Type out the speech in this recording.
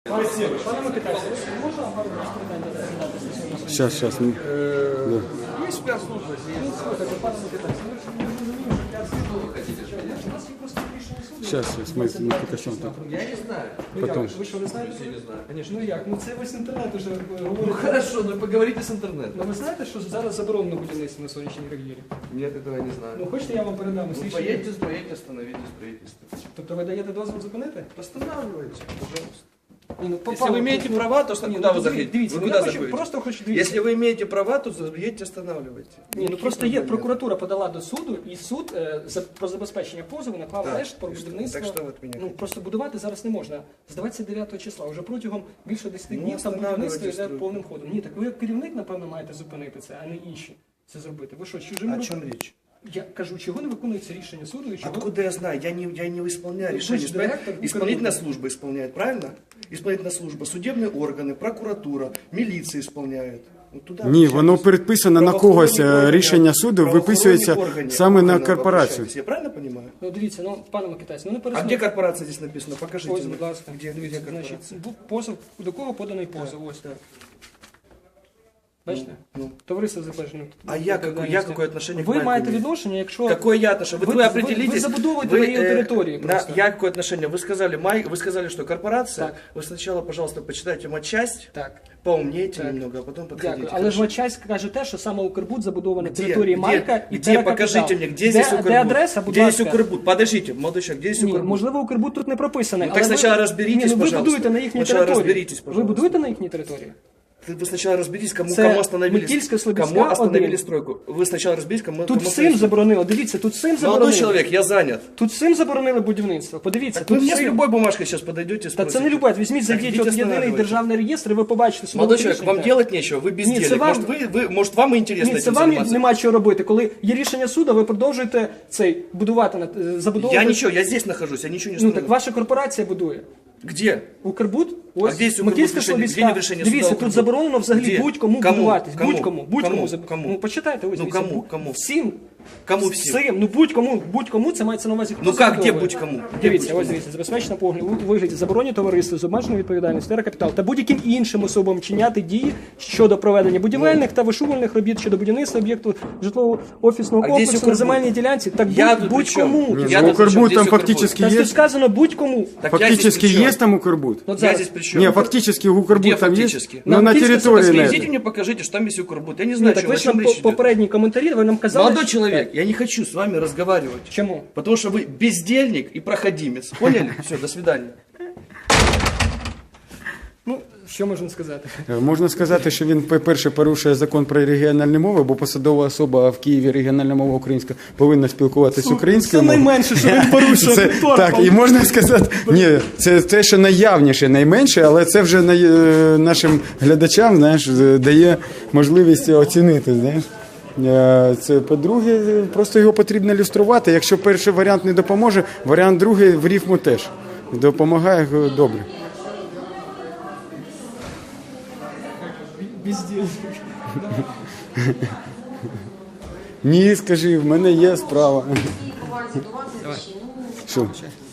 Спасибо. Пане Микитайся, можна пару питань задати? Сейчас. Є спецслужби. Слухайте, пане Микитайся, ми ж розуміємо, що я звідти ви хочете. У нас є просто рішення суду. Сейчас, мы покажем так. Я не знаю. Ну Потом. як, ви що, не знаєте? Я не знаю, конечно. Ну як, ну це весь інтернет уже Ну говорить. хорошо, ну поговорите с интернетом. Ну ви знаєте, що зараз заборонено будівництво на сонячній кар'єрі? Нет, этого я не знаю. Ну хочете, я вам передам Ну, рішення? поедьте, строите, остановите строительство. Тобто ви даєте дозвіл зупинити? Останавливайте, пожалуйста. Ні, ну, Если вы имеете права, то Ні, куда ну, вы заходите? Дивіться, Вы ну, я куда хочу, заходите? просто хочу дивіться. Если вы имеете права, то едьте, останавливайте. Ні, ну просто є, прокуратура подала до суду, і суд про забезпечення позову наклав Так, арешт про і що? будівництво. Так що ви від мене Ну хочете? просто будувати зараз не можна. З 29 числа, вже протягом більше 10 Ну, днів там встановлювати будівництво йде стройку. повним ходом. Ні, так ви як керівник, напевно, маєте зупинити це, а не інші це зробити. Ви що, чужими О чем руками? речь? Я кажу, чого не виконується рішення суду і чого? Откуда я знаю? Я не исполняю Вы решение. же директор Исполнительная Укрпошты. служба исполняет, правильно? Исполнительная служба, судебные органы, прокуратура, милиция исполняет. Вот туда Ні, воно обращайтесь. передписано на когось, Правоохоронні рішення органи, суду правоохоронні виписується органи, саме на органи корпорацію. обращайтесь. Я правильно понимаю? Ну дивіться, ну пане Микитайсь, ну не А пересуньте. где корпорация здесь написано? Покажите Ось, мне. будь ласка, Где дивіться, корпорация? значить, позов, до кого поданий позов, ось так. Бачите? Ну. Товариство запевнено. А я какое отношение к Ви Малькову маєте имею? відношення, якщо... Какое я отношение? Вот Вы- вы определитесь. вы забудовываете на ее территории просто. Я какое отношение? Вы сказали, что корпорация. Так. Вы сначала, пожалуйста, почитайте матчасть, Так, поумнейте Так. немного, а потом подходите. дякую. Але ж Матчасть каже те, що саме Укрбуд забудований Где? території Где? Майка і Где? Терракапітал. Покажите мне, где здесь Укрбуд? Де адреса, будь Где здесь ласка? Укрбуд? Подождите, молодой человек, где здесь Ні, Укрбуд? можливо, Укрбуд тут не прописаний. Ну, але так ви- спочатку розберітесь, Ні, ну, ви пожалуйста. будуєте на їхній Спочатку території. розберітесь, Ви пожалуйста. будуєте на їхній території? Вы сначала разберитесь, кому Це остановили, Метільська-Слобідська кому остановили 1. стройку. Вы сначала разберитесь, кому Тут кому всім заборонили, дивіться, тут всім Молодой заборонили. человек, я занят. Тут всім заборонили будівництво. Подивіться, Вы тут мне с всім. любой бумажкой сейчас подойдете и Та спросите. це не любить. Візьміть, Так, зайдіть идите от єдиний останавливайте. державний реєстр, і ви побачите судове Молодой человек, рішення. вам делать нечего, вы бездельник. це вам- Может, вам интересно Ні, це этим вам заниматься? нема чого робити. Коли є рішення суду, ви продовжуєте цей будувати, забудовувати. Я здесь нахожусь, я ничего не Ну строю. так ваша корпорація будує. Где? Укрбуд? А Ось де є Укрбуд Макіївська рішення? Слобідська. Де є рішення суда Дивіться, Укрбуд? тут заборонено взагалі Де? будь-кому Кому? будуватись. Кому? Будь-кому. Кому? Будь-кому. Кому? Ну почитайте, ось Ну, дивіться. кому? Кому? Всім. Кому всім? Всім. Ну будь-кому це мається на увазі. хто Ну как, где забудовує. будь-кому? Где Дивіться, будь-кому? ось дивіться, забезпечена погляд у вигляді заборонені товариства з обмеженою відповідальністю, теракапітал та будь-яким іншим особам чиняти дії щодо проведення будівельних та вишувальних робіт щодо будівництва об'єкту житлового офісного А де є комплексу на Укрбуд? земельній ділянці. Так Я тут будь-кому. при чому? Ні, Я ну, тут причем, Укрбуд здесь там Укрбуд. фактически Та тут есть. сказано будь-кому. Так я здесь Фактически при чем? есть там Укрбуд? От Я зараз. здесь при чем? Не, фактически Укрбуд Где там есть. фактически? Но на Нам территории на Скажите этой. мне, покажите, что там есть Укрбуд. Я не Ні, знаю, так о ви ж чем нам речь идет. попередні коментарі, ви нам казали. Молодой що- человек, я не хочу с вами разговаривать. Чому? Потому что вы бездельник и проходимец. Поняли? Все, до свидания. Ну, що можна сказати? Можна сказати, що він, по-перше, порушує закон про регіональні мови, бо посадова особа в Києві регіональна мова українська повинна спілкуватися українською Це мовою. найменше, що він порушує. Це, так, і можна сказати, ні, це те, що найявніше, найменше, але це вже нашим глядачам, знаєш, дає можливість оцінити, знаєш. Це, по-друге, просто його потрібно люструвати. Якщо перший варіант не допоможе, варіант другий в рифму теж допомагає добре. Бездельник. Ні, скажи, в мене є справа. Увазі до вас, Що?